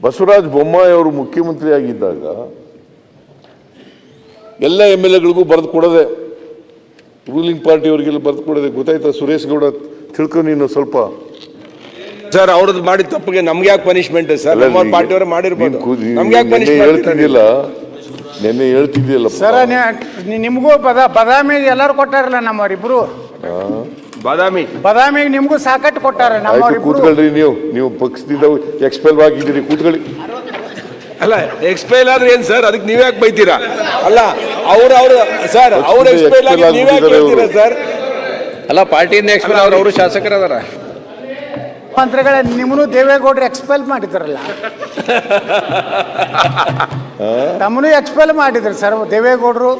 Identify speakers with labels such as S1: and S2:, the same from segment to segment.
S1: ಬಸವರಾಜ ಬೊಮ್ಮಾಯಿ ಅವರು ಮುಖ್ಯಮಂತ್ರಿ ಆಗಿದ್ದಾಗ ಎಲ್ಲ MLAಗಳಿಗೂ ಬರೆದು ಕೊಡದೆ, ರೂಲಿಂಗ್ ಪಾರ್ಟಿಯವರಿಗೆಲ್ಲ ಬರೆದು ಕೊಡದೆ. ಗೊತ್ತಾಯ್ತಾ ಸುರೇಶ್ ಗೌಡ? ತಿಳ್ಕೊ ನೀನು ಸ್ವಲ್ಪ.
S2: ಸರ್ ಅವ್ರದ್ದು ಮಾಡಿದ ತಪ್ಪಿಗೆ ನಮ್ಗೆ ಯಾಕೆ ಪನಿಷ್ಮೆಂಟ್ ಸರ್? ನಮ್ಮ ಪಾರ್ಟಿಯವರು ಮಾಡಿರ್ಬೋದು, ನಮ್ಗೆ ಯಾಕೆ
S1: ಪನಿಷ್ಮೆಂಟ್ ಹೇಳ್ತಿದ್ದಿಲ್ಲ? ನೆನ್ನೆ ಹೇಳ್ತಿದ್ದಿಲ್ಲ
S3: ಸರ್. ನಿಮಗೂ ಬದಾಮಿ ಎಲ್ಲರೂ ಕೊಟ್ಟಾರಲ್ಲ ನಮ್ಮವರಿಬ್ರು. ಬದಾಮಿಗೆ ನಿಮಗೂ ಸಾಕಟ್ಟು ಕೊಟ್ಟಾರ ನಮ್ಮವರಿಬ್ರು.
S1: ಕೂತ್ಕೊಳ್ರಿ, ನೀವು ಪಕ್ಷದಿಂದ ಎಕ್ಸ್ಪೆಲ್ ಆಗಿದ್ದೀರಿ, ಕೂತ್ಕೊಳ್ಳಿ.
S2: ಅಲ್ಲ ಎಕ್ಸ್ಪೈಲ್ ಆದ್ರೆ ಏನ್ ಸರ್? ಅದಕ್ಕೆ ನೀವ್ ಯಾಕೆ ಬೈತೀರಾ? ಅಲ್ಲ ಅವ್ರ ಸರ್ ಅವ್ರ ಎಕ್ಸ್ಪೈಲ್ ಆಗಿ ನೀವ್ ಯಾಕೆ ಬೈತೀರಾ ಸರ್?
S4: ಅಲ್ಲ ಪಾರ್ಟಿಯಿಂದ ಎಕ್ಸ್ಪೈಲ್ ಅವರು ಶಾಸಕರದಾರ.
S3: ಮಂತ್ರಿಗಳೇ, ನಿಮ್ಮನ್ನು ದೇವೇಗೌಡರು ಎಕ್ಸ್ಪೆಲ್ ಮಾಡಿದ್ರಲ್ಲ, ತಮ್ಮನು ಎಕ್ಸ್ಪೆಲ್ ಮಾಡಿದ್ರು ಸರ್ ದೇವೇಗೌಡರು.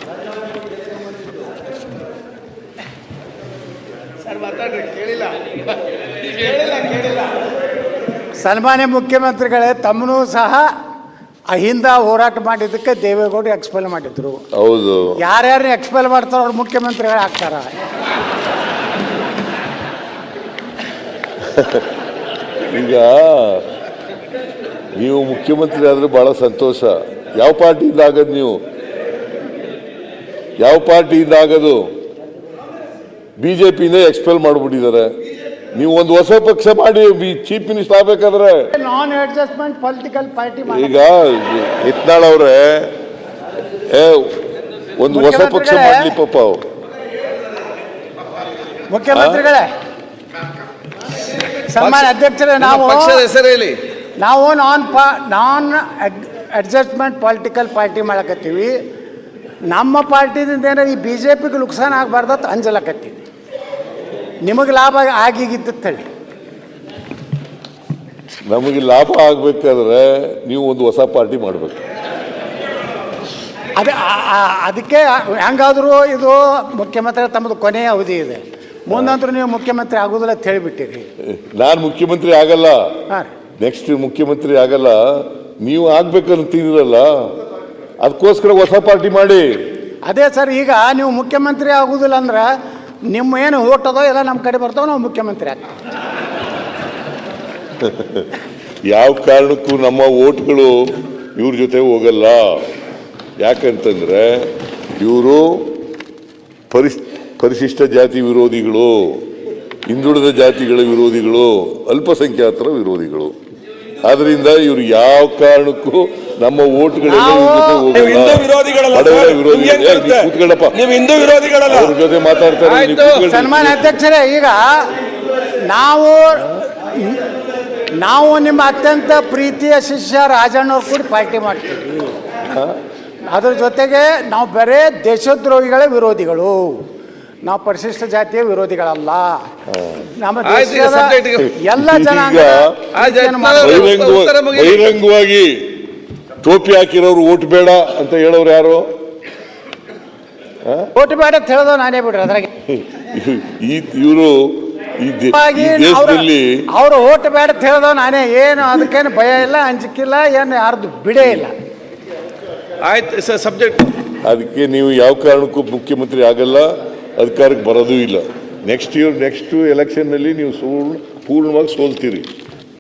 S3: ಸನ್ಮಾನ್ಯ ಮುಖ್ಯಮಂತ್ರಿಗಳೇ, ತಮ್ಮನು ಸಹ ಅಹಿಂದ ಹೋರಾಟ ಮಾಡಿದ್ದಕ್ಕೆ ದೇವೇಗೌಡರು ಎಕ್ಸ್ಪೆಲ್ ಮಾಡಿದ್ರು.
S1: ಹೌದು.
S3: ಯಾರ್ಯಾರು ಎಕ್ಸ್ಪೆಲ್ ಮಾಡ್ತಾರೋ ಅವ್ರು ಮುಖ್ಯಮಂತ್ರಿಗಳು ಆಗ್ತಾರ.
S1: ಈಗ ನೀವು ಮುಖ್ಯಮಂತ್ರಿ ಆದ್ರೆ ಬಹಳ ಸಂತೋಷ. ಯಾವ ಪಾರ್ಟಿಯಿಂದ ಆಗದು? ನೀವು ಯಾವ ಪಾರ್ಟಿಯಿಂದ ಆಗದು? ಬಿಜೆಪಿಯಿಂದ ಎಕ್ಸ್ಪೆಲ್ ಮಾಡಿಬಿಟ್ಟಿದ್ದಾರೆ. ನೀವು ಒಂದು ಹೊಸ ಪಕ್ಷ ಮಾಡಿ ಚೀಫ್ ಮಿನಿಸ್ಟರ್ ಆಗ್ಬೇಕಾದ್ರೆ
S3: ನಾನ್ ಅಡ್ಜಸ್ಟ್ಮೆಂಟ್ ಪೊಲಿಟಿಕಲ್ ಪಾರ್ಟಿ.
S1: ಈಗ ಯತ್ನಾಳ್ ಅವ್ರೆ ಒಂದು ಹೊಸ ಪಕ್ಷ ಮಾಡ್ಲಿ ಪಾಪ.
S3: ಮುಖ್ಯಮಂತ್ರಿಗಳೇ, ಸನ್ಮಾನ್ಯ ಅಧ್ಯಕ್ಷರೇ,
S4: ಪಕ್ಷದ ಹೆಸರು ಹೇಳಿ.
S3: ನಾವು ನಾನ್ ಅಡ್ಜಸ್ಟ್ಮೆಂಟ್ ಪೊಲಿಟಿಕಲ್ ಪಾರ್ಟಿ ಮಾಡಕತ್ತೀವಿ. ನಮ್ಮ ಪಾರ್ಟಿದಿಂದ ಏನಾರ ಈ BJPಗೆ ನುಕ್ಸಾನ ಆಗಬಾರ್ದು ಅಂತ ಅಂಜಲಕತ್ತೀವಿ. ನಿಮಗೆ ಲಾಭ ಆಗಿಗಿತ್ತು ಹೇಳಿ.
S1: ನಮಗೆ ಲಾಭ ಆಗ್ಬೇಕಾದ್ರೆ ನೀವು ಒಂದು ಹೊಸ ಪಾರ್ಟಿ ಮಾಡಬೇಕು.
S3: ಅದಕ್ಕೆ ಹೆಂಗಾದರೂ ಇದು ಮುಖ್ಯಮಂತ್ರಿ ತಮ್ಮದು ಕೊನೆಯ ಅವಧಿ ಇದೆ, ಮುಂದಂತರೂ ನೀವು ಮುಖ್ಯಮಂತ್ರಿ ಆಗೋದಿಲ್ಲ ಅಂತ ಹೇಳಿಬಿಟ್ಟಿರಿ.
S1: ನಾನು ಮುಖ್ಯಮಂತ್ರಿ ಆಗಲ್ಲ,
S3: ಹಾಂ,
S1: ನೆಕ್ಸ್ಟ್ ಮುಖ್ಯಮಂತ್ರಿ ಆಗಲ್ಲ. ನೀವು ಆಗ್ಬೇಕಂತೀರಲ್ಲ, ಅದಕ್ಕೋಸ್ಕರ ಹೊಸ ಪಾರ್ಟಿ ಮಾಡಿ.
S3: ಅದೇ ಸರ್, ಈಗ ನೀವು ಮುಖ್ಯಮಂತ್ರಿ ಆಗೋದಿಲ್ಲ ಅಂದ್ರೆ ನಿಮ್ಮ ಏನು ಓಟ್ ಅದೋ ಎಲ್ಲ ನಮ್ಮ ಕಡೆ ಬರ್ತಾವೆ, ನಾವು ಮುಖ್ಯಮಂತ್ರಿ ಆಗ್ತೀವಿ.
S1: ಯಾವ ಕಾರಣಕ್ಕೂ ನಮ್ಮ ಓಟ್ಗಳು ಇವ್ರ ಜೊತೆ ಹೋಗಲ್ಲ. ಯಾಕಂತಂದ್ರೆ ಇವರು ಪರಿಶಿಷ್ಟ ಜಾತಿ ವಿರೋಧಿಗಳು, ಹಿಂದುಳಿದ ಜಾತಿಗಳ ವಿರೋಧಿಗಳು, ಅಲ್ಪಸಂಖ್ಯಾತರ ವಿರೋಧಿಗಳು. ಆದ್ರಿಂದ ಇವರು ಯಾವ ಕಾರಣಕ್ಕೂ ನಮ್ಮ ಓಟ್ಗಳೆಲ್ಲ ಅವ್ರ ಜೊತೆ ಮಾತಾಡ್ತಾರೆ.
S3: ಸನ್ಮಾನ್ಯ ಅಧ್ಯಕ್ಷರೇ, ಈಗ ನಾವು ನಿಮ್ಮ ಅತ್ಯಂತ ಪ್ರೀತಿಯ ಶಿಷ್ಯ ರಾಜಣ್ಣವ್ರು ಕೂಡ ಪಾರ್ಟಿ ಮಾಡ್ತೀವಿ. ಅದ್ರ ಜೊತೆಗೆ ನಾವು ಬರೇ ದೇಶದ್ರೋಹಿಗಳ ವಿರೋಧಿಗಳು, ನಾವು ಪರಿಶಿಷ್ಟ ಜಾತಿಯ ವಿರೋಧಿಗಳಲ್ಲ. ನಮ್ಮ ದೇಶದ ಎಲ್ಲ ಜನಾಂಗ
S1: ಬಹಿರಂಗವಾಗಿ ಟೋಪಿ ಹಾಕಿರೋರು ಓಟ್ ಬೇಡ ಅಂತ ಹೇಳೋರು ಯಾರು?
S3: ಓಟ್ ಬೇಡ ಅಂತ ಹೇಳೋದು ನಾನೇ ಬಿಡ್ರಿ. ಅದ್ರಾಗ
S1: ಇವರು
S3: ಅವರು ಓಟ್ ಬೇಡ ಅಂತ ಹೇಳೋದು ನಾನೇ. ಏನು ಅದಕ್ಕೇನು ಭಯ ಇಲ್ಲ, ಅಂಜಿಕಿಲ್ಲ, ಏನು ಯಾರ್ದು ಬಿಡೇ ಇಲ್ಲ.
S2: ಆಯ್ತು ಸರ್, ಸಬ್ಜೆಕ್ಟ್.
S1: ಅದಕ್ಕೆ ನೀವು ಯಾವ ಕಾರಣಕ್ಕೂ ಮುಖ್ಯಮಂತ್ರಿ ಆಗಲ್ಲ, ಅಧಿಕಾರಕ್ಕೆ ಬರೋದೂ ಇಲ್ಲ. ನೆಕ್ಸ್ಟ್ ಎಲೆಕ್ಷನ್ನಲ್ಲಿ ನೀವು ಪೂರ್ಣವಾಗಿ ಸೋಲ್ತೀರಿ.